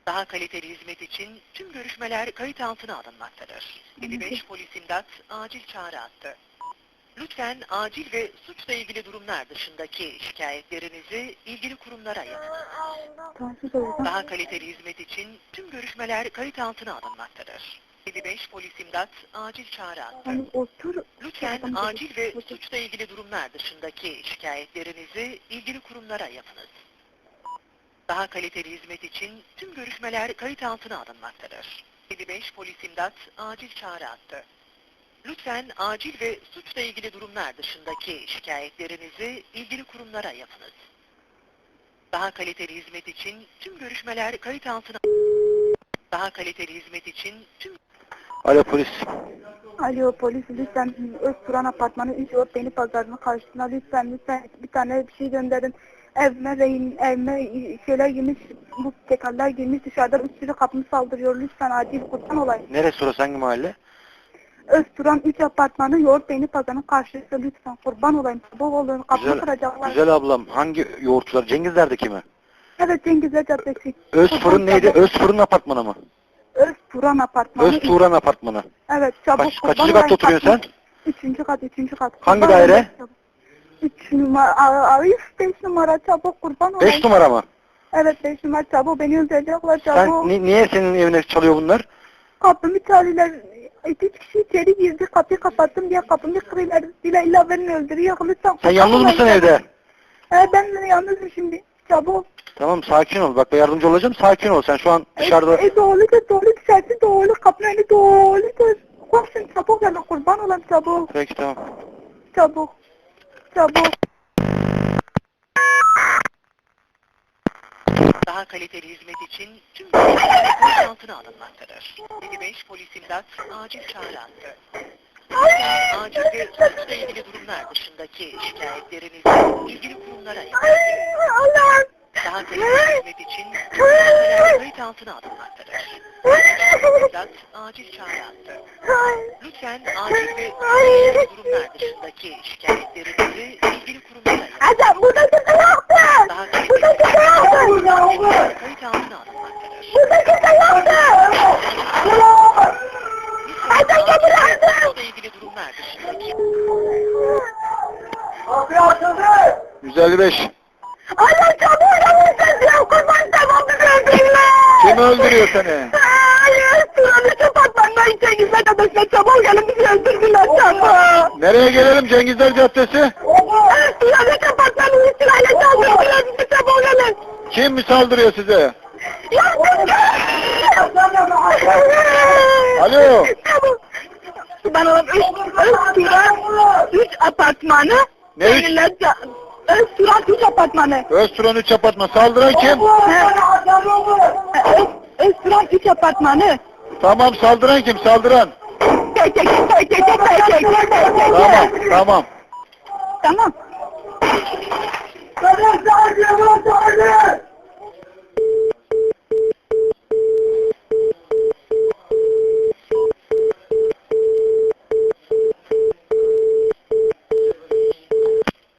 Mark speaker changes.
Speaker 1: Daha kaliteli hizmet için tüm görüşmeler kayıt altına alınmaktadır. 55 polis imdat acil çağrı attı. Lütfen acil ve suçla ilgili durumlar dışındaki şikayetlerinizi ilgili kurumlara yapınız. Daha kaliteli hizmet için tüm görüşmeler kayıt altına alınmaktadır. 55 polis imdat acil çağrı attı. Lütfen acil ve suçla ilgili durumlar dışındaki şikayetlerinizi ilgili kurumlara yapınız. Daha kaliteli hizmet için tüm görüşmeler kayıt altına alınmaktadır. 55 polis imdat acil çağrı attı. Lütfen acil ve suçla ilgili durumlar dışındaki şikayetlerinizi ilgili kurumlara yapınız. Daha kaliteli hizmet için tüm görüşmeler kayıt altına... Daha kaliteli hizmet için tüm...
Speaker 2: Alo polis.
Speaker 3: Alo polis, lütfen Özturan apartmanı 3 yol Beni Pazarı'nın karşısına lütfen bir tane bir şey gönderin. Evime şeyler girmiş, bu tekerler girmiş, dışarıdan bir sürü kapımı saldırıyor, lütfen acil kurban olayım.
Speaker 2: Neresi orası, hangi mahalle?
Speaker 3: Özturan 3 apartmanı yoğurt Beni Pazarı'nın karşısı, lütfen kurban olayım. Bol olun, kapımı kıracaklar.
Speaker 2: Güzel ablam, hangi yoğurtçular? Cengizler'deki mi?
Speaker 3: Evet, Cengizler Caddesi.
Speaker 2: Özfırın neydi? Özfırın apartmanı mı?
Speaker 3: Özturan apartmanı.
Speaker 2: Özturan apartmanı.
Speaker 3: Evet, çabuk.
Speaker 2: Kaçıncı katta oturuyorsun sen?
Speaker 3: 3. kat.
Speaker 2: Hangi daire?
Speaker 3: 3 numara, 5 numara, çabuk kurban olayım.
Speaker 2: 5 numara mı?
Speaker 3: Evet, 5 numara, çabuk beni öldürecekler, çabuk.
Speaker 2: Sen niye senin evine çalıyor bunlar?
Speaker 3: Kapımı çalıyorlar. 2 kişi içeri girdi, kapıyı kapattım diye kapımı kırıyorlar. İlla beni öldürüyor, lütfen.
Speaker 2: Sen yalnız mısın evde?
Speaker 3: Ben yalnızım şimdi, çabuk.
Speaker 2: Tamam, sakin ol. Bak ben yardımcı olacağım. Sakin ol. Sen şu an dışarıda...
Speaker 3: Doğru dışarısı doğru, kapının önü doğru. Koşun, çabuk gelin, kurban olayım, çabuk.
Speaker 2: Peki, tamam.
Speaker 3: Çabuk.
Speaker 1: Daha kaliteli hizmet için tüm görüşmeler kayıt altına alınmaktadır. 55 polis imdat acil çağrı attı. Lütfen acil ve suçla ilgili durumlar dışındaki şikayetlerinizi ilgili kurumlara yapınız.
Speaker 3: Allah'ım.
Speaker 1: Daha kaliteli hizmet için tüm görüşmeler kayıt altına alınmaktadır. 55 polis imdat acil çağrı attı. Lütfen acil ve suçla ilgili durumlar dışındaki şikayetlerinizi ilgili kurumlara yapınız.
Speaker 3: Adam burada kimse yoktu.
Speaker 1: Daha kaliteli hizmet için kayıt altına alınmaktadır.
Speaker 3: Burada kimse yoktu. Adam
Speaker 1: Suçla ilgili durumlar dışındaki
Speaker 2: 155.
Speaker 3: Allah çabuk yapmışsın ya, kurban tamam bizi öldürürler.
Speaker 2: Kim öldürüyor seni?
Speaker 3: Hayır, Turan'ı kapatmanlar için gizlet adasına çabuk gelin, bizi öldürdüler çabuk.
Speaker 2: Nereye gelelim? Cengizler Caddesi?
Speaker 3: Turan'ı kapatmanın için aile çaldırdılar, bizi çabuk gelin.
Speaker 2: Kim mi saldırıyor size? Alo.
Speaker 3: Ben oğlum Özturan 3 apartmanı.
Speaker 2: Ne üç?
Speaker 3: Özturan 3 apartmanı.
Speaker 2: Özturan 3 apartman. Saldıran kim?
Speaker 3: Özturan 3 apartmanı.
Speaker 2: Tamam, saldıran kim? Saldıran.
Speaker 3: Tek.
Speaker 2: Tamam.
Speaker 3: Tamam.